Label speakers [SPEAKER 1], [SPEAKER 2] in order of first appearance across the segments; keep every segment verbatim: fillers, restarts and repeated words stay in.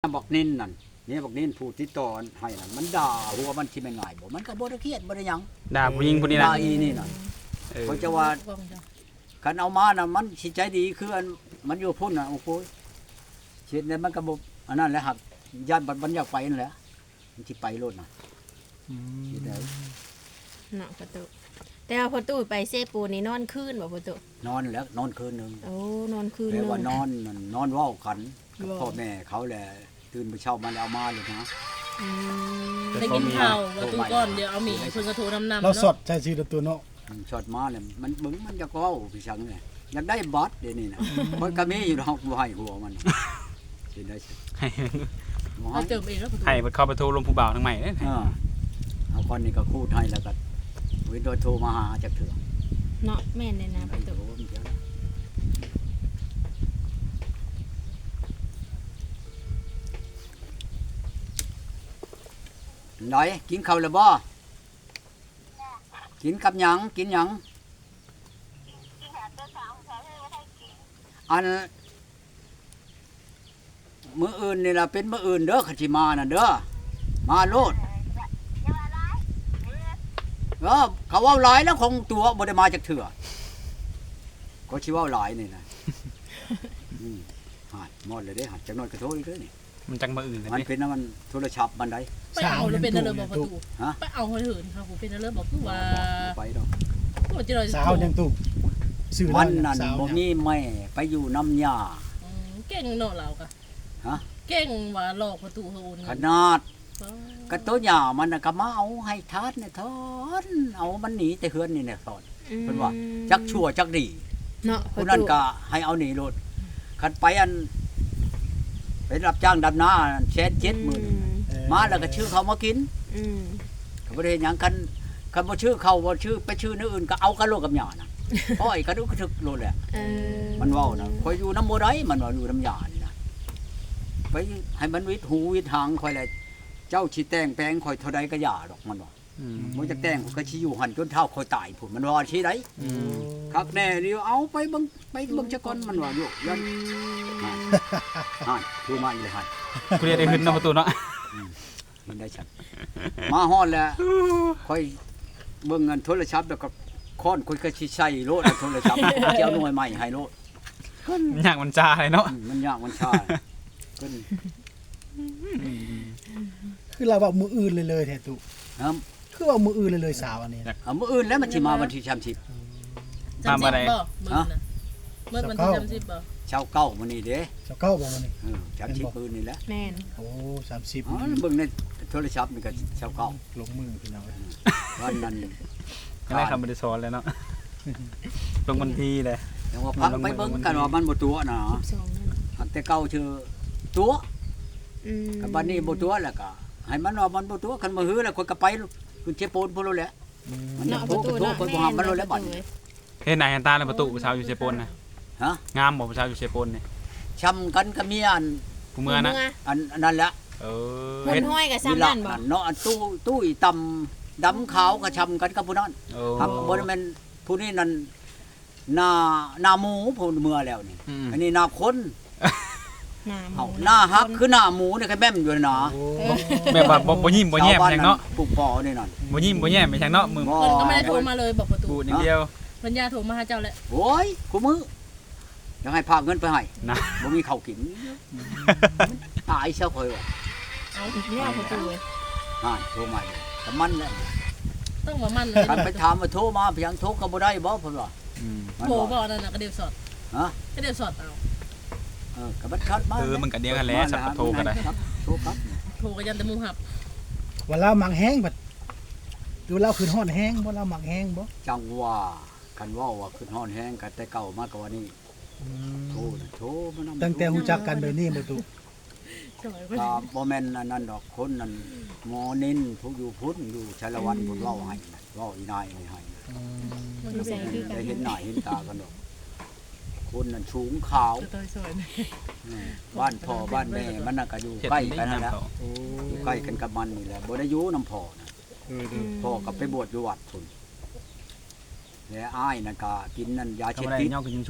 [SPEAKER 1] บอกนินนั่นนี่บอกนินผู้ติดต่อให้นั่นมันด่าหัวมันที่ไม่ง่ายบ่มันก็บ่ได้เครียดบ่ได้หยัง
[SPEAKER 2] ด่าผู้หญิงผู้นี้นะ
[SPEAKER 1] ด่าอีนี่นั่นเขาจะว่าคันเอามาน่ะมันสิใจดีคืออันมันอยู่พุ่นน่ะโอ้โหเช็ดเนี่ยมันก็บ่อันนั้นแหละหักญาติมันอยากไปนั่นแหละมันสิไปโลดน่ะอืมสิได้
[SPEAKER 3] เนาะประตูแต่ว่าประตูไปเซปูนี่นอนคืนบ่ประตู
[SPEAKER 1] นอนแล้วนอนคืนนึง
[SPEAKER 3] โอ้นอนคืน
[SPEAKER 1] แต่
[SPEAKER 3] นึง
[SPEAKER 1] ว่านอนนั่นนอนเว้ากันกับ
[SPEAKER 3] ว้า
[SPEAKER 1] พ่อแม่เขาแหละตื่นไปเช้ามันเอามาเลยนะ
[SPEAKER 3] อืม
[SPEAKER 4] ได้กินข้าวว่าตู้ก้อนเดี๋ยวเอาหมี่เพิ่นก็โทรนำนำ
[SPEAKER 5] เราสด
[SPEAKER 4] ต
[SPEAKER 5] ใช้ชื่อตัวเนาะ
[SPEAKER 1] ช็อตมาเนี่ยมันบึ้งมันจะก้าวพี่ชังเนี่ยอยากได้บอสเดี๋ยวนี้นะมันก็มีอยู่ดอกบัวให้หัวมันสิได้สิ
[SPEAKER 2] ให้
[SPEAKER 1] บ่
[SPEAKER 4] เอา
[SPEAKER 1] ให้
[SPEAKER 4] เติมเองแล้วประตู
[SPEAKER 2] ให้เพิ่นเข้าไปโทรลมผู้บ่าวทั้งใหม่เด้
[SPEAKER 1] เออเอาคนนี้ก็คูดให้แล้วก็วินโดโทรมาหาจากเถื่อ
[SPEAKER 3] เนาะแม่นเลยนะประตู
[SPEAKER 1] โทรมันเดี๋ยวนะไหนกินข้าวแล้วบ่กินกับหยังกินหยังอันมื้ออื่นนี่ล่ะเป็นมื้ออื่นเด้อคันสิมาน่ะเด้อมาโลดเออเขาเว้าหลายแล้วคงตัวบ่ได้มาจากเถื่อก็สิเว้าหลายนี่นะอืมหาดหมดเลยเด้หัดจักหน่อยก็โทรอีกเด้อนี่
[SPEAKER 2] มันจังมาอื่นเลย
[SPEAKER 1] มัน
[SPEAKER 2] นี่
[SPEAKER 1] เป็นน้ำมันโทรศัพท์มันได้
[SPEAKER 4] ไปเอาแล้วเป็นอะไรบอกประตู
[SPEAKER 1] ฮะ
[SPEAKER 4] ไปเอาเหินค่ะผมเป็นอะไรบอกคือว่า
[SPEAKER 1] บ่ไปดอก
[SPEAKER 4] ก็จะเลย
[SPEAKER 5] สาวยังตุกซื้อ
[SPEAKER 1] มัน
[SPEAKER 5] ได้
[SPEAKER 1] นั่น
[SPEAKER 5] สาว
[SPEAKER 1] บ่
[SPEAKER 5] ยัง
[SPEAKER 1] มีแม่ไปอยู่น้ำยา
[SPEAKER 4] เก่งเนาะเราก็
[SPEAKER 1] ฮะ
[SPEAKER 4] เก่งว่าหลอกประตูเฮาโอน
[SPEAKER 1] ขนาดกระตัวหยามันน่ะก็มาเอาให้ทานเนี่ยทอนเอามันหนีแต่เฮือนนี่เนี่ยทอน เพิ่นว่า จักชั่วจักดี
[SPEAKER 3] เนาะป
[SPEAKER 1] ผู้
[SPEAKER 3] ระ
[SPEAKER 1] นั้น
[SPEAKER 3] ตู
[SPEAKER 1] ก็ให้เอาหนีโลดคันไปอันไปรับจ้างดำนาแสนเจ็ดหมื่น
[SPEAKER 5] เออ
[SPEAKER 1] มาแล้วก็ชื่อเขามากิน
[SPEAKER 3] อืม
[SPEAKER 1] ก็บ่ได้เฮ็ดหยังกันคันบ่ชื่อเขาบ่ชื่อไปชื่อนื้ออื่นก็เอากันโลดกับหยาน่ะเพราะไอ้กระดุกกระทึกโลดแหละ
[SPEAKER 3] เออ
[SPEAKER 1] มันเว้านะคอยอยู่น้ำบ่ได้มันว่าอยู่น้ำยานี่นะไปให้มันวิดหูวิดหางคอยแหละเจ้าสิแต่งแปลงคอยเท่าใดก็อย่าดอกมันว่า
[SPEAKER 2] อืม
[SPEAKER 1] บ่จะแต่งก็สิอยู่หั่นจนเท่าคอยตายพุ่นมันว่าสิได้
[SPEAKER 2] อืม
[SPEAKER 1] คักแน่เดียวเอาไปเบิ่งไปเบิ่งซะก่อนมันว่าอยู่ยันหั่นคือมาอีเลยหั่น
[SPEAKER 2] ผู้เรียนได้ขึ้นเนาะประตูเนาะ
[SPEAKER 1] มันได้ชัดมาฮอดแล้วคอยเบิ่งเงินโทรศัพท์แล้วก็ค้อนคอยก็สิใส่โลดเอาโทรศัพท์เจ้าหน่วยใหม่ให้โลด
[SPEAKER 2] อยากมันจาเลยเนาะ
[SPEAKER 1] อืมมันยากมันช้าขึ้น
[SPEAKER 5] คือเราว่ามืออื่นเลยเลยแท้ตุ
[SPEAKER 1] ครับ
[SPEAKER 5] คือว่ามืออื่นเลยเลยสาวอันนี้
[SPEAKER 1] เอามื้ออื่นแล้วมันสิมาวันที่สามสิบ
[SPEAKER 4] จำสิบบ่เมื่อนะเมื่อวันที่จำสิบบ่
[SPEAKER 1] เช้าเก้ามื้อนี้เด้
[SPEAKER 5] เจ้าเก้าบอกว่านี่
[SPEAKER 1] เออสามสิบมื้อนี่แหละ
[SPEAKER 3] แม่น
[SPEAKER 5] โอ้สามสิบ
[SPEAKER 1] อ๋อเบิ่งในโทรศัพท์นี่ก็เช้าเก้า
[SPEAKER 5] ลงมือพี่น้อง
[SPEAKER 1] วันนั้น
[SPEAKER 2] ก็ได้คำบริสอนเลยเนาะลงบันทีเลย
[SPEAKER 1] แต่ว่าพักไปเบิ่งกันว่ามันบ่ตัวน่ะ
[SPEAKER 3] สองนั่น
[SPEAKER 1] หักแต่เก่าชื่อตัว
[SPEAKER 3] อืม
[SPEAKER 1] กับบัดนี้บ่ตัวแล้วก็ให้มันว่ามันบ่ตัวคันบ่ฮือแล้วคนก็ไปคุณเชโปนพุ่นแล้วแหละมันจะ
[SPEAKER 3] เนาะ
[SPEAKER 1] โท
[SPEAKER 3] ป
[SPEAKER 1] ร
[SPEAKER 3] ระ
[SPEAKER 1] ก็
[SPEAKER 3] ตู
[SPEAKER 1] โทร
[SPEAKER 3] เนาะ
[SPEAKER 1] คนบ่หามันแล้วแหละบัดนี้
[SPEAKER 2] เห็นไหนเห็นตาเลยประตูผู้ชาวอยู่เชโปนนะ
[SPEAKER 1] ฮะ
[SPEAKER 2] งามบ่ผู้ชาวอยู่เชโปนนี่
[SPEAKER 1] ช้ำกันก็มีอัน
[SPEAKER 2] ผู้เมื่อนะ
[SPEAKER 1] อันอันนั้นแหละ
[SPEAKER 2] เออ
[SPEAKER 3] เพิ่
[SPEAKER 2] เห็
[SPEAKER 3] น
[SPEAKER 2] น
[SPEAKER 3] ห้อยกับ
[SPEAKER 1] มี
[SPEAKER 3] ซ้ำ
[SPEAKER 1] หลั
[SPEAKER 3] นั่นบ่
[SPEAKER 1] เนาะอันตู้ตู้อีตำดำขาวก็ช้ำกันกับผู้นั้น
[SPEAKER 2] โอ้
[SPEAKER 1] ครับบ่ได้แม่นผู้นี้นั่นหน้าหน้าหมูผู้เมื่อแล้วนี่
[SPEAKER 2] อืม
[SPEAKER 1] อันนี้หน้าคน
[SPEAKER 3] หน้าห
[SPEAKER 1] เอา
[SPEAKER 3] มู
[SPEAKER 1] หน้าฮักคือหน้าหมูนี่ก็แม่มอยู่นะ
[SPEAKER 5] โอ้
[SPEAKER 2] แบบว่าบ่บ่ยิ้มบ่แย้มแทงเนาะ
[SPEAKER 1] ปลูกปอนี่นั่น
[SPEAKER 2] บ่ยิ้มบ่แย้มไปแทงเนาะมือ
[SPEAKER 1] บ่
[SPEAKER 4] เพิ่นก็ไม่ได้โทรมาเลยบอกประตู
[SPEAKER 2] พูดอย่างเดียว
[SPEAKER 4] ปัญญาโทรมาหาเจ้าแหละ
[SPEAKER 1] โอ้ยกูมืออยังให้พาเงินไปให้
[SPEAKER 2] นะ
[SPEAKER 1] บ่มีข้าวกินตายเสียค่อยว่า
[SPEAKER 4] เอา
[SPEAKER 3] แนวประตูเว้ย
[SPEAKER 1] อ่าโทรมาเลยแต่มันแหละ
[SPEAKER 4] ต้องมามั่นเลย
[SPEAKER 1] คันไปถามว่าโทรมาเพียงโทรก็บ่ได้บ่เพิ่นว่า
[SPEAKER 2] อืม
[SPEAKER 1] มัน
[SPEAKER 4] โทร
[SPEAKER 1] ว่า
[SPEAKER 4] บ่นั่นน่ะก็เดียวสอด
[SPEAKER 1] ฮะ
[SPEAKER 4] ก็เดียวสอดเอา
[SPEAKER 1] เออก็มันคัดมา
[SPEAKER 2] เออมันก็เดียวกันแหล้วสับปะโทก็ได้
[SPEAKER 1] ครับโทรครับ
[SPEAKER 4] โทรก็ยันแต่มุมหับ
[SPEAKER 5] ว่าเราหมักแห้งบัดดูเราขึ้นฮอดแห้งบ่เราหมักแห้งบ่
[SPEAKER 1] จังว่าคันเว้าว่าขึ้นฮ้อนแฮงกันแต่เก่ามากกว่านี้โทรน่ะโทรมานำ
[SPEAKER 5] ตั้งแต่ฮู้จักกันแบบนี้บ่ตุ
[SPEAKER 4] สมัยเพิ่น
[SPEAKER 1] ก็บ่แม่นอันนั้นดอกคนนั้นหมอนินผู้อยู่พุทธอยู่ชาละวันพุ่นเว้าให้น่ะเว้าอีนายนี่ให้
[SPEAKER 4] มันก็
[SPEAKER 3] ใส่
[SPEAKER 4] เป็น
[SPEAKER 3] คือกัน
[SPEAKER 1] ได้เห็นหน้าเห็นตากันดอกคนนั้นสูงขาว
[SPEAKER 4] ตัวซอย
[SPEAKER 1] อืมบ้านพ่อบ้านแม่มันน่ะก็อยู่
[SPEAKER 2] เฮ็ด
[SPEAKER 1] ใกล้
[SPEAKER 2] ได้
[SPEAKER 1] กันนั่นแหละ
[SPEAKER 2] ยามเขา
[SPEAKER 1] อยู่ใกล้กันกับมันนี่แหละบ่ได้อยู่นํพ่อนะ
[SPEAKER 5] เออ
[SPEAKER 1] พ่อก็ไปบวชอยู่วัดพุ่นแล้วอ้ายนั่นก็กินนั่นยา
[SPEAKER 2] ทำ
[SPEAKER 1] เช็ด
[SPEAKER 2] อะไร
[SPEAKER 1] พิษ
[SPEAKER 2] ย่อขึ้นสูง
[SPEAKER 1] ย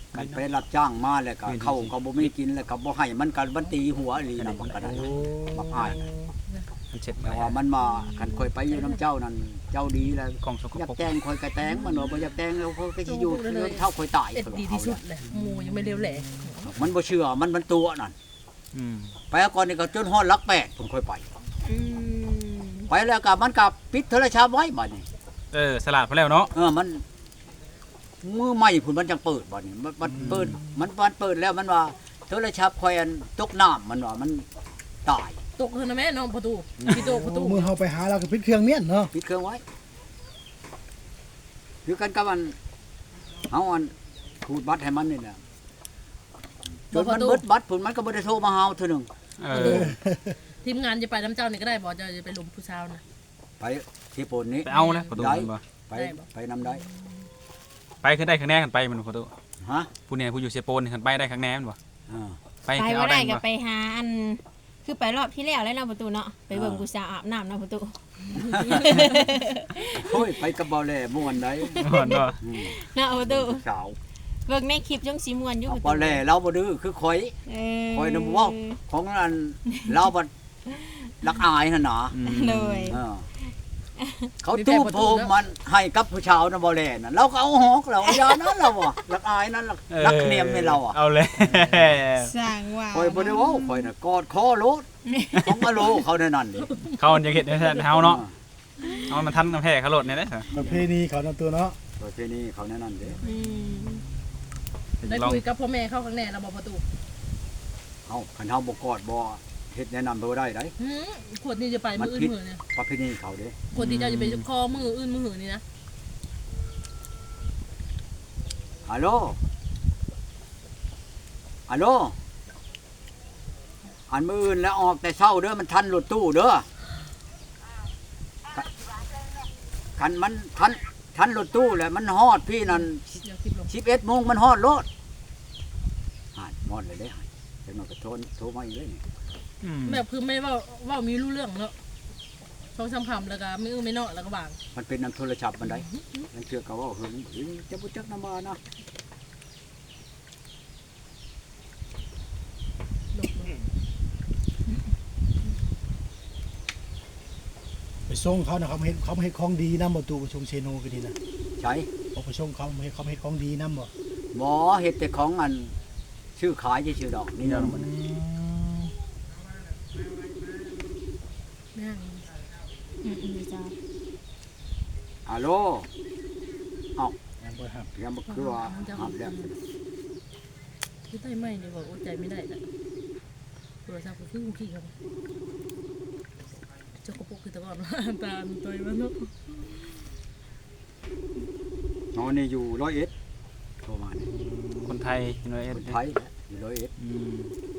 [SPEAKER 1] กันไปรับจ้างมาแล้วก็เข้าก็บ่มีกินแล้วก็บ่ให้มันกันมันตีหัวอีหลีนำบักกระไดบักอ้าย
[SPEAKER 2] มันเช็ด
[SPEAKER 1] แต่
[SPEAKER 2] มา
[SPEAKER 1] ว่ามันมาคันค่อยไปอยู่น้ำเจ้านั่นเจ้าดีแล้ว
[SPEAKER 2] กล่องสก
[SPEAKER 1] อยาก
[SPEAKER 2] ปรก
[SPEAKER 1] แต่งค่อยก็แต่งมันบ่อยากแต่งแล้วค่อยก็สิอยู่เท่าค่อยตาย
[SPEAKER 4] เอ็ดดีที่สุดเลยหมูยังไม่เร็วแหล่
[SPEAKER 1] มันบ่เชื่อมันมันตัวนั่น
[SPEAKER 2] อืม
[SPEAKER 1] ไปก่อนนี่ก็จนฮอดหลักแปดผมค่อยไป
[SPEAKER 3] อืม
[SPEAKER 1] ไปแล้วก็มันก็ปิดโทรศัพท์ไว้บัดนี้
[SPEAKER 2] เออสลัดพอแล้วเนาะ
[SPEAKER 1] เออมันมือใหม่พุ่นมันจังเปิดบัดนี้มันมันเปิดมันมันเปิดแล้วมันว่าโทรศัพท์ค่อยอันตกน้ำมันว่ามันตาย
[SPEAKER 4] ตกเถอะนะแม่น้องประตูพี่โตประตู
[SPEAKER 5] มือเฮาไปหาเราก็ปิดเครื่องเมียนเนาะ
[SPEAKER 1] ปิดเครื่องไว้คือกันกับมันเฮาอันขูดบัตรให้มันนี่แหละจนมันเบิดบัตรพุ่นมันก็บ่ได้โทรมาหาเทื่อหนึง
[SPEAKER 2] เอ
[SPEAKER 4] ประตู
[SPEAKER 2] อ
[SPEAKER 4] ทีมงานจะไปน้ำเจ้านี่ก็ได้บอกจะจะไปลุมผู้ชาวนะ
[SPEAKER 1] ไปที่ปนนี้
[SPEAKER 2] ไปเอานะประตูมันบ่
[SPEAKER 1] ไปไปนำได้
[SPEAKER 2] ไปขึ้นได้ข้างแน่กันไปมันประตู
[SPEAKER 1] ฮะ
[SPEAKER 2] ผู้เนี่ยผู้อยู่เซโปนขึ้นไปได้ข้างแน่มันบ่
[SPEAKER 1] อ่า
[SPEAKER 2] ไป
[SPEAKER 3] ไป
[SPEAKER 2] เอา
[SPEAKER 3] บ่
[SPEAKER 2] ได้
[SPEAKER 3] ได้ก็
[SPEAKER 2] บ่
[SPEAKER 3] ไปหาอันคือไปรอบที่แล้วแล้วเนาะประตูเนาะไปเบิ่งกูสาวอาบน้ำเนาะประตู
[SPEAKER 1] โอ้ยไปกับเบาแหล่ม่วนได้
[SPEAKER 2] บ่เนาะ
[SPEAKER 1] อืม
[SPEAKER 3] เนาะประตู
[SPEAKER 1] สาว
[SPEAKER 3] เบิ่งในคลิปจังสิม่วนอยู่
[SPEAKER 1] เอา
[SPEAKER 3] ประตู
[SPEAKER 1] เบาแหล่เราบ่ดื้อคือข่อย
[SPEAKER 3] เอ
[SPEAKER 1] ข่อยนำเว้าของอันเราบ่รักอายหั่นน่ะ
[SPEAKER 2] อืม
[SPEAKER 3] เลย
[SPEAKER 1] เออเขาตู้โพมมันให้กับผู้ชาวนะบ่แลน่ะเราก็เอาหอกเราอย่านั้นเราอ่ะรักอายนั้นล่ะรักเนียมให้เราอ่ะ
[SPEAKER 2] เอาเลย
[SPEAKER 3] สร้างว่า
[SPEAKER 1] คอยบ่ได้เว้าคอยน่ะกอดคอโลดของอโลเขาแน่นั่นดิ
[SPEAKER 2] เขาจะเห็นให้เฮาเนาะเอามันทันกับแพ้เขาโลดเนี่ยเด้อ
[SPEAKER 5] ประเพณีเขานำตัวเนาะ
[SPEAKER 1] ประเพณีเขาแน่นั่นเด้
[SPEAKER 3] อืม
[SPEAKER 4] ได้
[SPEAKER 2] ลอง
[SPEAKER 4] คุยกับพ่อแม่เข้าข้างแน่เราบอกประตู
[SPEAKER 1] เฮาคันเฮาบ่กอดบ่เฮ็ดแนะนำบ่ได้ได
[SPEAKER 4] หืมขวดนี้จะไปมืออื่นมือเนี่ย
[SPEAKER 1] ประเพณีเขาเด้
[SPEAKER 4] ขวดที่เจ้าจะไปคอมืออื่นมือหือนี่นะ
[SPEAKER 1] ฮัลโหลฮัลโหลอันมื้ออื่นแล้วออกแต่เช้าเด้อมันทันรถตู้เด้อคันมันทันทันรถตู้แหละมันฮอดพี่นั่น
[SPEAKER 4] เดี๋ยวคลิปลง
[SPEAKER 1] สิบเอ็ดโมงมันฮอดรถหาดฮอดเลยเด้เดี๋ยวมันก็โทรโทรมาอีกเลยนี่
[SPEAKER 2] อืม
[SPEAKER 4] แบบคือไม่ว่าว่ามีรู้เรื่องเนาะช่องซ้ำคำแล้วก็ไม่อื้อไม่เนาะแล้วก็บาง
[SPEAKER 1] มันเป็นน้ำโทรศัพท์มันได้ยังเชื่อเขาว่าเฮ้ยเฮ้ยจะบุจักน้ำมานะ
[SPEAKER 5] ไปส่งเขานะเขามาเฮ็ดเขามาเฮ็ดของดีนำบ่ตูไปส่งเชโนก็ดีนะ
[SPEAKER 1] ใช่
[SPEAKER 5] เอาไปส่งเขามาเฮ็ดเขามาเฮ็ดของดีนำบ่
[SPEAKER 1] หมอเห็ดแต่ของอันชื่อขายที่ชื่อดอกนี่เนาะมัน
[SPEAKER 4] แม่ง
[SPEAKER 3] อืมอืมจ้า
[SPEAKER 1] ฮัลโหลเอา
[SPEAKER 5] ยังบ่ครับ
[SPEAKER 1] ยังบ่คือว่าหับแล้ว
[SPEAKER 4] ที่ใต้ไม่เนี่ยบอกอดใจไม่ได้ละโทรศัพท์ก็คือขี้ครับเจ้ากระปุกคือตะก่อนว่าตาตัวมันเนาะ
[SPEAKER 1] น้องนี่อยู่ร้อยเอ็ดโทรมาเนี่ย
[SPEAKER 2] คนไทยเนาะเอ็ด
[SPEAKER 1] คนไทยอยู่ร้อยเอ็ด
[SPEAKER 2] อืม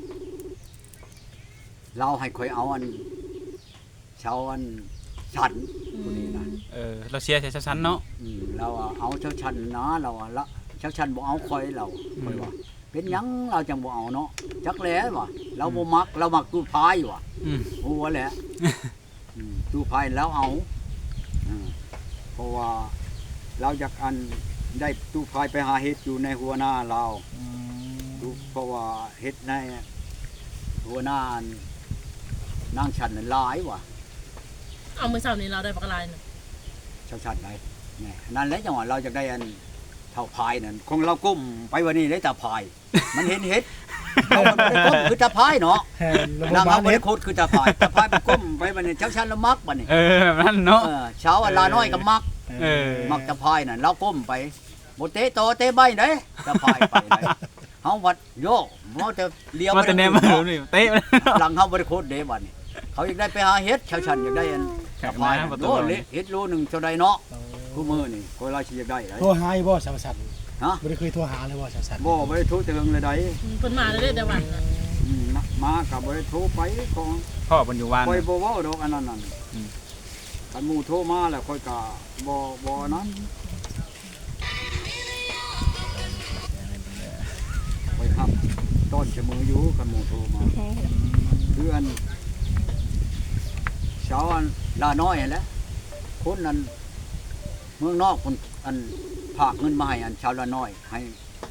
[SPEAKER 1] เราให้คอยเอาอันชาวอันฉันคนนี้นะ
[SPEAKER 2] เออเราเชียร์ใส่ชั้นๆเนาะ
[SPEAKER 1] อืมเราอะเอาเช้าชันนะเราอะละเช้าชันบ่เอาคอยเราคอยว่า เป็นหยังเราจังบ่เอาเนาะจักแหล้วว่ะเราบ่มักเรามักตู้พายว่ะ
[SPEAKER 2] อืม
[SPEAKER 1] หัวแหละอืมตู้พายแล้วเอาอืมเพราะว่าเราอยากอันได้ตู้พายไปหาเฮ็ดอยู่ในหัวหน้าเราดูเพราะว่าเฮ็ดในหัวหน้าอันนางชันนั้นหลายว่ะ
[SPEAKER 4] เอามือเสาร์นี้เราได้ปากกาลายเนาะ
[SPEAKER 1] เช้าชันไหนแนี่นั่นแหละจังหวะเราจะได้อันเท่าพายนั่นคงเราก้มไปวันนี้ได้แต่พาย มันเห็นเฮ็ดเรามันบ่ได้ก้มคือตาพายเนาะ
[SPEAKER 5] แทนระบบ
[SPEAKER 1] นาง
[SPEAKER 5] บ้า
[SPEAKER 1] เอา
[SPEAKER 5] น
[SPEAKER 1] บ
[SPEAKER 5] เฮ็
[SPEAKER 1] ริ
[SPEAKER 5] ด
[SPEAKER 1] โคตรคือตาพายตาพายมันก้มไปบัดนี้เช้าชันละมักบัดนี้
[SPEAKER 2] เออแบบนั้นเนาะ
[SPEAKER 1] เออเช้าอันลาน้อยก็มัก
[SPEAKER 2] เออ
[SPEAKER 1] มักตาพายนั่นเราก้มไปบ่เตะโตเตะใบเด้ตาพายไปได้เฮาวัดโยกบ่จะเลี้ยว
[SPEAKER 2] มาแต่แนมมานี่เตะ
[SPEAKER 1] หลังเฮาบริโคตรเด้บัดนี้เขาอยากได้ไปหาเฮ็ดชาวชันอยากได้อันตาพายโอ้เละเฮ็ดโลนึงเท่าใดเนาะคู่มือนี่ก็เราสิอยากได้ได้
[SPEAKER 5] โทรหาอีบ่สาวสัน
[SPEAKER 1] ฮะ
[SPEAKER 5] บ่ได้เคยโทรหาเลยบ่สาวสัน
[SPEAKER 1] บ่บ่ได้โทรถึงเลยได้
[SPEAKER 4] เพิ่นมาได้แต่วันนะ
[SPEAKER 1] อืมนะมาก็บ่ได้โทรไปของ
[SPEAKER 2] พ่อบนอยู่วาน
[SPEAKER 1] คอยบ่เว้าดอกอันนั้นนั่น
[SPEAKER 2] อืม
[SPEAKER 1] คันหมู่โทรมาแล้วค่อยก็บ่บ่นั้นค่อยครับต้นเสมออยู่คันหมู่โทรมาคืออันเช้าอันลาน้อยนั่นแหละคนนั้นเมืองนอกคนอันฝากเงินมาให้อันชาวละน้อยให้ค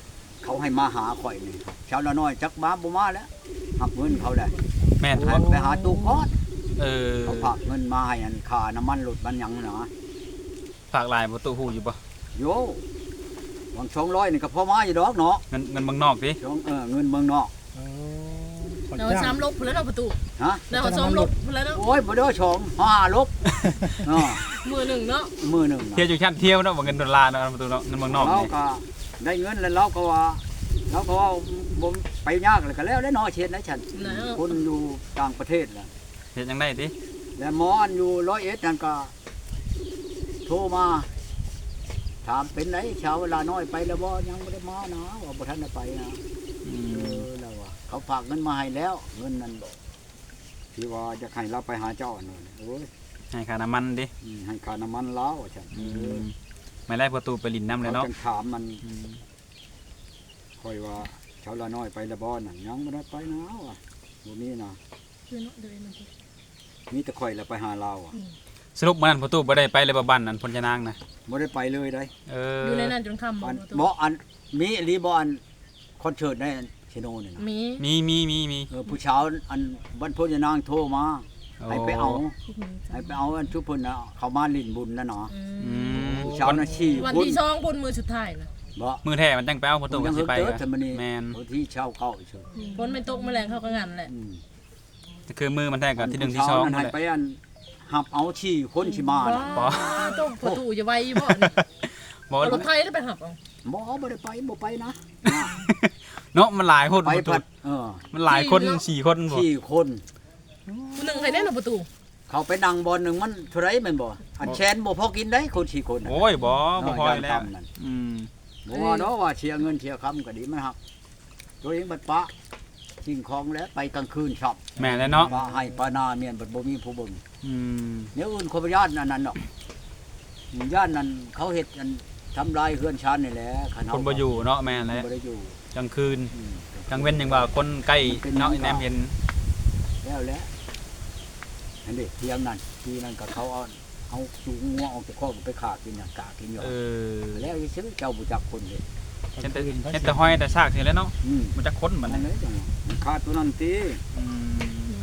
[SPEAKER 1] เขาให้มาหาข่อยนี่ชาวละน้อยจักมาบ่มาแล้วหักเงินเขาได้
[SPEAKER 2] แม่น
[SPEAKER 1] เขาไปหาตู้คอด
[SPEAKER 2] เออ
[SPEAKER 1] เขาฝากเงินมาให้อันค่าน้ำมันรถมันหยังนะ
[SPEAKER 2] ฝากลายประตูหูอยู่บ่
[SPEAKER 1] โยหวังสองร้อยนี่ก็พอมาอยู่ดอกเนาะ
[SPEAKER 2] เงินเงินเมืองนอกดิ
[SPEAKER 1] สองเออเงินเมืองนอก
[SPEAKER 5] เออขอ
[SPEAKER 4] เรา
[SPEAKER 5] จ้าง
[SPEAKER 4] ซ้ำลบพุ่นแล้วเนาะประตู
[SPEAKER 1] ฮะ
[SPEAKER 4] เราซ้อมลบพุ่นแล้วเนาะ
[SPEAKER 1] โอ้ยบ่ได้ชองห้าลบเออ
[SPEAKER 4] มือหนึ่งเนาะ
[SPEAKER 1] มือหนึ่งน่ะ
[SPEAKER 2] เที่ยวอยู่ชั้นเที่ยวเนาะบ่เงินดอลลาร์เนาะประตูเนาะเงินเมืองนอก
[SPEAKER 1] เรา
[SPEAKER 2] นี่
[SPEAKER 1] ก็ได้เงินแล้วเราก็ว่าเราก็ว่าบ่ไปยากเลยก็แล้วแล้วเนาะเช็ดนะฉัน
[SPEAKER 4] นะ
[SPEAKER 1] คนอยู่ต่างประเทศล่ะ
[SPEAKER 2] เฮ็ดจังได๋ติ
[SPEAKER 1] แล้วหมออันอยู่ร้อยเอ็ดนั่นก็โทรมาถามเป็นไหนชาวเวลาน้อยไปแล้วบ่ยังไม่ได้มานะว่าบ่ทันได้ไปนะ
[SPEAKER 2] อื
[SPEAKER 1] เอ
[SPEAKER 2] ม
[SPEAKER 1] อแล้วว่าเขาฝากเงินมาให้แล้วเงินนั้นที่ว่าจะให้เราไปหาเจ้านั่นโอ้ย
[SPEAKER 2] ให้ค่าน้ำมันดิ
[SPEAKER 1] อืมให้ค่าน้ำมันแล้วว่าฉัน
[SPEAKER 2] อื
[SPEAKER 1] เออ
[SPEAKER 2] มไม่ไล่ประตูไปลินน้ำเลย
[SPEAKER 1] เขา
[SPEAKER 2] เนาะ
[SPEAKER 1] จังถามมัน
[SPEAKER 2] อืม
[SPEAKER 1] ค่อยว่าชาวละน้อยไปแล้วบ่นั่นยังไม่ได้ไปนะว่ะบ่มีนะ
[SPEAKER 4] คือเนาะเดินมา
[SPEAKER 1] มีแต่ข่อยแล้วไปหาเราอ่ะ
[SPEAKER 2] สรุปมื้อนั้นประตูบ่ได้ไปเลยบ่บ้านนั้นพญานางนะ
[SPEAKER 1] บ่ได้ไปเลยได้
[SPEAKER 2] เออ
[SPEAKER 4] อ
[SPEAKER 2] อยู่
[SPEAKER 4] ในนั้นจนค่ำ
[SPEAKER 1] อัน
[SPEAKER 4] ประตู
[SPEAKER 1] บ่อันมีอีหลีบ่อันคอนเสิร์ตในเชโนนี่นะ
[SPEAKER 4] มี
[SPEAKER 2] มีมีมีมี
[SPEAKER 1] เออผู้เช้าอันบรรพยานางโทรมาให้ไปเอาให้ไปเอาอันชุบเพิ่นน่ะเขามาลิ้นบุญน่ะเนาะ
[SPEAKER 2] อืม
[SPEAKER 1] ผู้เช้าน่ะชี้
[SPEAKER 4] วัน
[SPEAKER 1] บุญ
[SPEAKER 4] ที่สองบนมือสุดท้ายนะ
[SPEAKER 1] บ่
[SPEAKER 2] มือแท้มันจังไปเอาประตู
[SPEAKER 1] ยั
[SPEAKER 2] กัน
[SPEAKER 1] ง
[SPEAKER 2] สิ
[SPEAKER 1] เฮิง
[SPEAKER 2] ไป
[SPEAKER 1] เติ
[SPEAKER 2] ก็
[SPEAKER 1] ดแต่มื้อนี้
[SPEAKER 2] แม่น
[SPEAKER 1] ผู้ที่เช้าเข้าเฉย
[SPEAKER 4] ฝนไม่ตกแมลงเข้ากันงั้นแหละ
[SPEAKER 1] อืม
[SPEAKER 2] แต่คือมือมันแท้กับที่หนึ่งที่สอง
[SPEAKER 1] ผู้
[SPEAKER 2] นั่
[SPEAKER 1] เช้าน นั้น
[SPEAKER 2] แหละ
[SPEAKER 1] ให้ไปอันหับเอาชี้คนสิมาน่ะ
[SPEAKER 2] บ่
[SPEAKER 4] ต้องประตูจะไวบ่นี่
[SPEAKER 2] บ่
[SPEAKER 4] เอารถไทยได้ไปหับเอา
[SPEAKER 1] บ่บ่ได้ไปบ่ไปนะ
[SPEAKER 2] เนาะมันหลายคน
[SPEAKER 1] ไป
[SPEAKER 2] ประตู
[SPEAKER 1] พัดเออ
[SPEAKER 2] มันหลายคนสี่คนบ่
[SPEAKER 1] ชี้คน
[SPEAKER 4] ผู้หนึ่งใครแน่นอนประตู
[SPEAKER 1] เขาไปนั่งบอลหนึงมันเท่าไหร่แม่นบ่อันแชนบ่พอกินได้คนสี่คนน่ะ
[SPEAKER 2] โอ้ยบ่บ่พอแล้ว
[SPEAKER 1] ย่านต่ำนั่น
[SPEAKER 2] อืม
[SPEAKER 1] บ่ว่าเนาะว่าเชียร์เงินเชียร์คำก็ดีมันหักตัวเองบัดปะสิ่งของแล้วไปกลางคืนชอบ
[SPEAKER 2] แม่นแล้วเนาะ
[SPEAKER 1] ปลาให้ปลานาเมียนบัดบ่มีผู้เบิ่ง
[SPEAKER 2] อืม
[SPEAKER 1] เนี่ยอื่นคนญาติอันนั้นดอกญาตินั้นเขาเฮ็ดอันทำลายเฮือนชานนี่แหละคัน
[SPEAKER 2] ค
[SPEAKER 1] เฮาน
[SPEAKER 2] บ่อยู่เนาะแม่นแล้ว
[SPEAKER 1] บ่ได้อยู่
[SPEAKER 2] กลางคืน
[SPEAKER 1] อืม
[SPEAKER 2] กลางเว้นยังว่าคนใกล้เนาะแนมเห็น
[SPEAKER 1] แล้วแหละอันนี้เทียงนั่นทีนั้นก็เขาเอาเอาจูงงัวออกจากคอกไปขากินน่ะกะกินอยู่
[SPEAKER 2] เออ
[SPEAKER 1] แล้วอีซื้อเจ้าบ่จักคนเด้
[SPEAKER 2] เห็นแต่เห็นแต่ห้อยแต่ซากนี่แหล้วเนาะ
[SPEAKER 1] อืม
[SPEAKER 2] มันจะค้นบั
[SPEAKER 1] มั
[SPEAKER 2] ด
[SPEAKER 1] น
[SPEAKER 2] นี้
[SPEAKER 1] เลยจังมันขาดตัวนั้นติ
[SPEAKER 2] อืม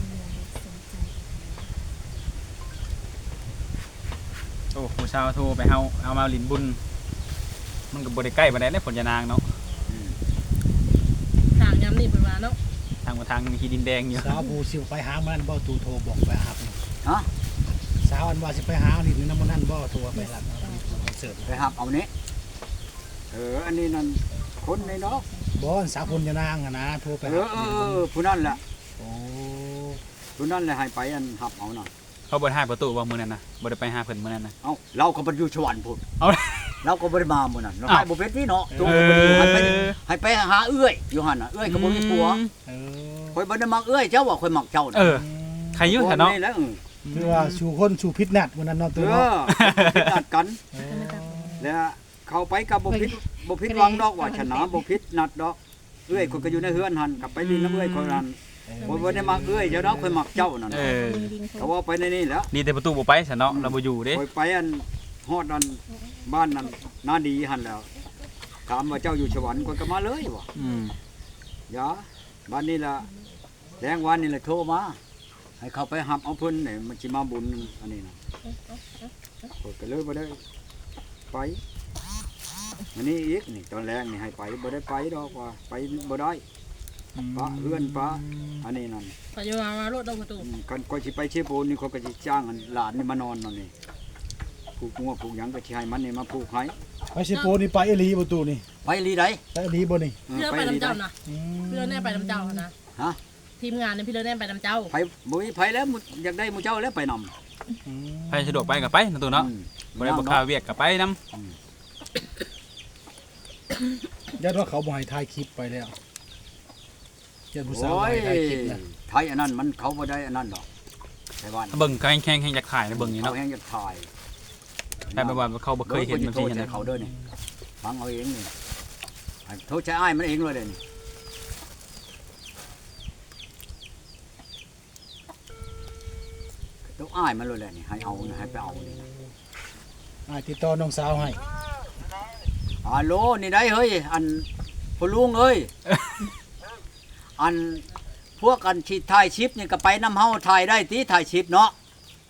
[SPEAKER 2] โอ้ผู้ชาวโทรไปเฮาเอามาลินบุญ มันก็บ่ได้ใกล้ปานใดเด้ผลยานางเนาะ
[SPEAKER 1] อืม
[SPEAKER 4] ทางย้ำนี่เป็นมาเนาะ
[SPEAKER 2] ทางมาทางมีที่ดินแดงอยู่
[SPEAKER 5] สาวผู้สิไปหามันบ่ตูโทรบอกไปหา
[SPEAKER 1] ฮะ
[SPEAKER 5] สาวอันว่าสิไปหานี่นำมันนั่นบ่โทรไปรับคอนเสิร์ต
[SPEAKER 1] ไปหับเอานี้เอออันนี้นั่นคนในเนาะ
[SPEAKER 5] บ่สาวพญานางอะนะโทรไป
[SPEAKER 1] เอ
[SPEAKER 5] หา
[SPEAKER 1] อเออเออผู้นั่นแหละ
[SPEAKER 5] โอ้
[SPEAKER 1] ผู้นั่นแหละให้ไปอันหับเอาน่ะ
[SPEAKER 2] เขาบ่ได้ให้ประตูว่ามื้อนั้นน่ะบ่ได้ไปหาเพิ่นมื้อนั้นน่ะ
[SPEAKER 1] เอ้าเราก็บ่อยู่สวรรค์พุ่น
[SPEAKER 2] เอา
[SPEAKER 1] เราก็บ่ได้มามื้อนั้นเรา
[SPEAKER 2] อ้าว
[SPEAKER 1] ไปบ่เป็นที่เนาะตัว
[SPEAKER 2] เอ
[SPEAKER 1] ก็บ่อยู่ให้ไป
[SPEAKER 2] อ
[SPEAKER 1] ให้ไปหาเอื้อยอยู่หั่นน่ะเอื้อยก็บ่มีผัว
[SPEAKER 5] เออ
[SPEAKER 1] ข่อยบ่ได้มักเอื้อยเจ้าว่าข่อยมักเจ้าน่ะ
[SPEAKER 2] เออ ใครอยู่แถวเนาะ
[SPEAKER 1] แหละเออ
[SPEAKER 5] คือว่าสู่คนสู่พิษนัดวันนั้นเนาะ
[SPEAKER 1] เอ
[SPEAKER 5] ตัวเนาะ
[SPEAKER 1] อคิดนัดกัน
[SPEAKER 5] เออ
[SPEAKER 1] แล้วเข้าไปกับบ่ผิดบ่ผิดหวังดอกว่าชนะบ่ผิดนัดดอกเอื้อยข่อยก็อยู่ในเฮือนหั่นกลับไปนี่น้ำเอื้อยข่อยนั่นข่อยบ่ได้มักเอื้อยเจ้าดอกข่อยมักเจ้านั่น
[SPEAKER 2] เออ
[SPEAKER 1] ก็ว่าไปในนี่แหล้ว
[SPEAKER 2] ดีแต่ประตูบ่ไปซะเนาะเราบ่อยู่เด้
[SPEAKER 1] คอยไปอันฮอดอันบ้านนั้นนาดีหันแล้วถามว่าเจ้าอยู่สวรรค์คนก็มาเลยบ่
[SPEAKER 2] อืม
[SPEAKER 1] อย่าบ้านนี้ล่ะแรงวันนี่แหละโทรมาให้เขาไปหับเอาเพิ่นนี่มันสิมาบุญอันนี้นะข้อยก็เลยบ่ได้ไปอันนี้อีกนี่ตอนแรกนี่ให้ไปบ่ได้ไปดอกว่าไปบ่ได้ปะเฮือนปะอันนี้นั่น
[SPEAKER 4] ปัจจุบันมารถเอาประตู
[SPEAKER 1] อืมกันก็สิไปเชฟโบนนี่เขาก็สิจ้างอันหลานนี่มานอนนั่นนี่ผูกงัวผูกหยังก็สิให้มันนี่มาผูกให้
[SPEAKER 5] ไปสิโปนี่ไปอีหลีประตูนี่
[SPEAKER 1] ไปลีได
[SPEAKER 5] ไปอีหลีบ่นี่
[SPEAKER 4] พี่เลิศไปน้ำเจ้านะ
[SPEAKER 5] อืม
[SPEAKER 4] พี่เลิศแน่ไปน้ำเจ้านะ
[SPEAKER 1] ฮะ
[SPEAKER 4] ทีมงานเนี่ยพี่เลิศแน่ไปน้ำเจ้า
[SPEAKER 1] ไปบ่มีไผแล้วมุอยากได้หมู่เจ้าแล้วไปนำ
[SPEAKER 5] อืม
[SPEAKER 2] ไปสะดวกไปก็ไปนะตูเนาะบ่ได้บ่ค่าเวียกก็ไปนํ
[SPEAKER 5] ยัดว่าเขาบ่ให้ถ่ายคลิปไปแล้วยัดผู้สาว
[SPEAKER 1] โอ้
[SPEAKER 5] บ่
[SPEAKER 1] ย
[SPEAKER 5] ให้ถ่ายคลิปแล้ว
[SPEAKER 1] ไทยอันนั้นมันเขาบ่ได้อันนั้นดอกไต้หวัน
[SPEAKER 2] เบิ่งแข่งแข่งแข่งอยากถ่ายนะเบิ่งนี่
[SPEAKER 1] เขา
[SPEAKER 2] เนาะ
[SPEAKER 1] แฮงจะถ่าย
[SPEAKER 2] แต่แบบว่าเขาบ่เคยเห็นแบบ
[SPEAKER 1] โท
[SPEAKER 2] นี้
[SPEAKER 1] ษใจ
[SPEAKER 2] นะ
[SPEAKER 1] เขาเด้อนี่ฟังเอาเองนี่ให้โทษใจอ้ายมันเองเลยเด้อนี่ต้องอ้ายมันเลยแหละนี่ให้เอานี่ให้ไปเอานี่นะ
[SPEAKER 5] อ่าติดต่อน้องสาวให้
[SPEAKER 1] ฮัลโหลนี่ได้เฮ้ยอันพ่อลุงเอ้ย อันพวกกันที่ถ่ายชิปนี่ก็ไปน้ำเฮาถ่ายได้ติถ่ายชิปเนาะ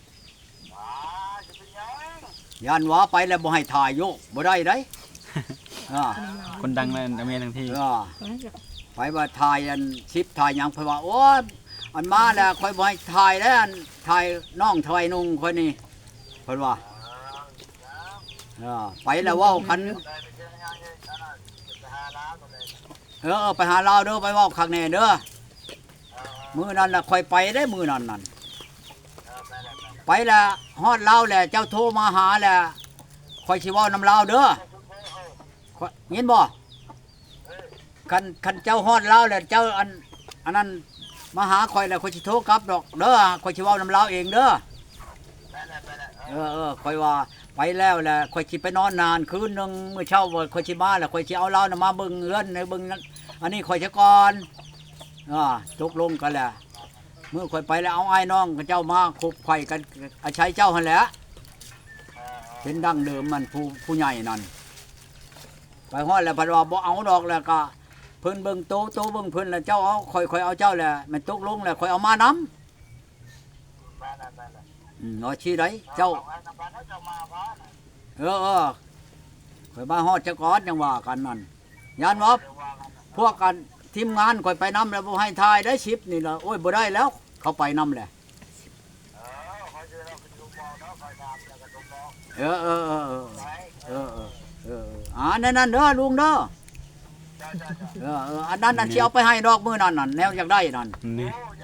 [SPEAKER 1] ยันว่าไปแล้วบ่ให้ถ่ายโยกบ่ได้ได้ อ่า
[SPEAKER 2] คนดังเลยอเมริกทั้งที่
[SPEAKER 1] อ่าไปว่าถ่ายอันชิปถ่ายหยังเพิ่นว่าโอ้ยอันมาแล้วค่อยบ่ให้ถ่ายแล้วอันถ่ายน้องถ่ายนุ่งค่อยนี่เพิ่นว่าอ่าไปแล้วเว้ากันเออเออไปหาลาวเด้อไปเว้าคักแน่เด้อมื้อนั้นน่ะค่อยไปได้มื้อนั้นนั่นไปแล้วฮอดลาวแล้วเจ้าโทรมาหาแล้วค่อยสิเว้านำลาวเด้อข้อยเห็นบ่คันคันเจ้าฮอดลาวแล้วเจ้าอันอันนั้นมาหาค่อยแล้วค่อยสิโทรกลับดอกเด้อค่อยสิเว้านำลาวเองเด้อเออเออค่อยว่าไปแล้วแหละค่อยสิไปนอนนานคืนนึงมื้อเช้าบ่ค่อยสิมาแล้วค่อยสิเอาลาวน่ะมาเบิ่งเฮือนในเบิ่งนั้นอันนี้ค่อยจะก่อนอ่าตกลงกันแล้วเมื่อค่อยไปแล้วเอาไอ้น้องกับเจ้ามาคบไข่กันอาศัยเจ้าหั่นแหละเป็นดั้งเดิมมันผู้ผู้ใหญ่นั่นไปฮอดแล้วเพิ่นว่าบ่เอาดอกแล้วก็เพิ่นเบิ่งโตโตเบิ่งเพิ่นแล้วเจ้าเอาค่อยๆเอาเจ้าแหละมันตกลงแล้วค่อยเอามานำอืมเอาชี้ไดเจ้าเออเออค่อยมาฮอดจักก่อนจังว่ากันนั่นยันว่าพวกกันทีมงานค่อยไปนำแล้วบ่ให้ทายได้ชิปนี่ล่ะโอ้ยบ่ได้แล้ว เขาไปนำแหละเออเออเออเออเออเออเอออ่านั่นนั่นเด้อลุงเด้อเออเอออันนั้นนั่นสิเอาไปให้ดอกมื้อนั้นนั่นแนวอยากได้นั่น
[SPEAKER 2] นี่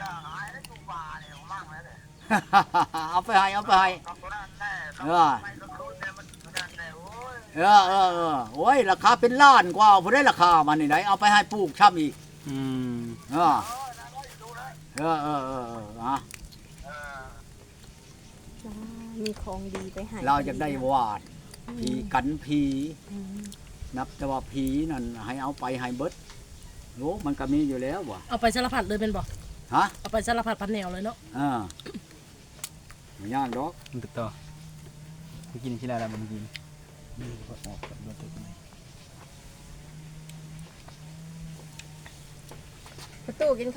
[SPEAKER 1] เอาไปให้เอาไปให้เออเออเออเออโอ้ยราคาเป็นล้านกว่าผู้ได้ราคามันนี่ไหนเอาไปให้ปลูกช้ำอีก
[SPEAKER 2] อืม
[SPEAKER 1] เออเออเออเออเอออ่ะ
[SPEAKER 3] มีของดีไปให้
[SPEAKER 1] เราจะได้วาดผีกันผี
[SPEAKER 3] อืม
[SPEAKER 1] นับแต่ว่าผีนั่นให้เอาไปให้เบิดโอ้มันก็มีอยู่แล้วว่ะ
[SPEAKER 4] เอาไปสารพัดเลยเป็นบ่
[SPEAKER 1] ฮะ
[SPEAKER 4] เอาไปสารพัดพันแนวเลยเนาะ
[SPEAKER 1] อ่าไม่ยากดอก
[SPEAKER 2] มันติดต่อไปกินที่ไรแล้วมันกิน
[SPEAKER 3] ประตูกิน